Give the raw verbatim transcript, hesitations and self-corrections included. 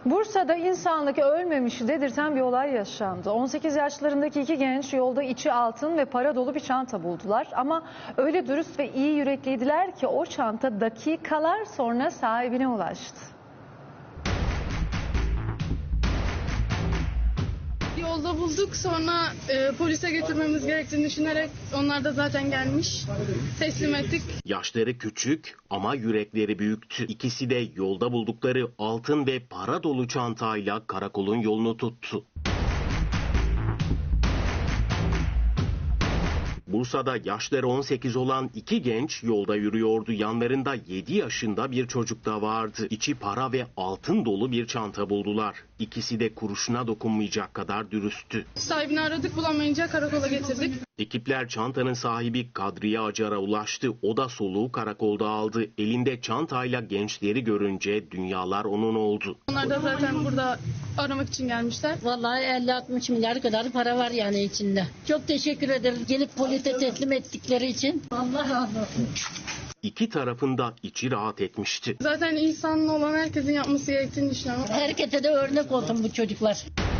Bursa'da insanlık ölmemiş dedirten bir olay yaşandı. on sekiz yaşlarındaki iki genç yolda içi altın ve para dolu bir çanta buldular. Ama öyle dürüst ve iyi yürekliydiler ki o çanta dakikalar sonra sahibine ulaştı. Yolda bulduk, sonra e, polise götürmemiz gerektiğini düşünerek onlar da zaten gelmiş, teslim ettik. Yaşları küçük ama yürekleri büyüktü. İkisi de yolda buldukları altın ve para dolu çantayla karakolun yolunu tuttu. Bursa'da yaşları on sekiz olan iki genç yolda yürüyordu. Yanlarında yedi yaşında bir çocuk da vardı. İçi para ve altın dolu bir çanta buldular. İkisi de kuruşuna dokunmayacak kadar dürüsttü. Sahibini aradık, bulamayınca karakola getirdik. Ekipler çantanın sahibi Kadriye Acar'a ulaştı. O da soluğu karakolda aldı. Elinde çantayla gençleri görünce dünyalar onun oldu. Onlar da zaten burada aramak için gelmişler. Vallahi elli altmış milyar kadar para var yani içinde. Çok teşekkür ederiz gelip polise teslim ettikleri için. Allah razı olsun. İki tarafında içi rahat etmişti. Zaten insanlı olan herkesin yapması gerektiğini düşünüyorum. Herkese de örnek olsun bu çocuklar.